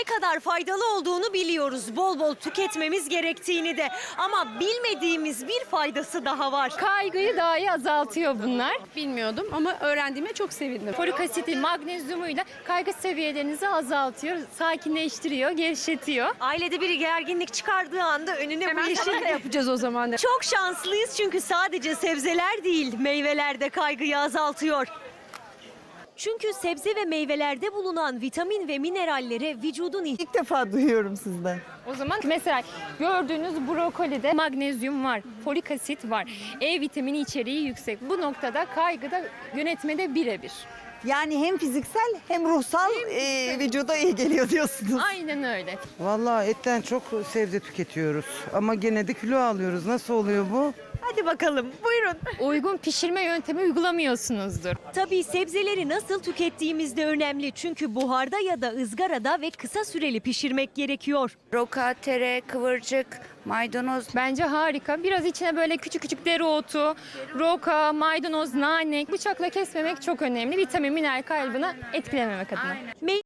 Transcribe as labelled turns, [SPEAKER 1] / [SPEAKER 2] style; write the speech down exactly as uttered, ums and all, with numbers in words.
[SPEAKER 1] ne kadar faydalı olduğunu biliyoruz. Bol bol tüketmemiz gerektiğini de. Ama bilmediğimiz bir faydası daha var.
[SPEAKER 2] Kaygıyı dahi azaltıyor bunlar.
[SPEAKER 3] Bilmiyordum ama öğrendiğime çok sevindim.
[SPEAKER 2] Folik asiti, magnezyumuyla kaygı seviyelerinizi azaltıyor, sakinleştiriyor, gevşetiyor.
[SPEAKER 1] Ailede biri gerginlik çıkardığı anda önüne bu
[SPEAKER 3] Hemen
[SPEAKER 1] yeşil
[SPEAKER 3] sana da yapacağız o zaman.
[SPEAKER 1] Çok şanslıyız çünkü sadece sebzeler değil, meyveler de kaygıyı azaltıyor. Çünkü sebze ve meyvelerde bulunan vitamin ve minerallere vücudun ihtiyacı.
[SPEAKER 4] İlk defa duyuyorum sizden.
[SPEAKER 2] O zaman mesela gördüğünüz brokolide magnezyum var, folik asit var, E vitamini içeriği yüksek. Bu noktada kaygıda yönetmede birebir.
[SPEAKER 4] Yani hem fiziksel hem ruhsal e, vücuda iyi geliyor diyorsunuz.
[SPEAKER 2] Aynen öyle.
[SPEAKER 5] Vallahi etten çok sebze tüketiyoruz ama gene de kilo alıyoruz. Nasıl oluyor bu?
[SPEAKER 1] Hadi bakalım, buyurun.
[SPEAKER 2] Uygun pişirme yöntemi uygulamıyorsunuzdur.
[SPEAKER 1] Tabii sebzeleri nasıl tükettiğimiz de önemli. Çünkü buharda ya da ızgarada ve kısa süreli pişirmek gerekiyor.
[SPEAKER 6] Roka, tere, kıvırcık, maydanoz.
[SPEAKER 2] Bence harika. Biraz içine böyle küçük küçük dereotu, roka, maydanoz, nane, bıçakla kesmemek çok önemli. Vitamin, mineral kaybını etkilememek adına.
[SPEAKER 1] Mey-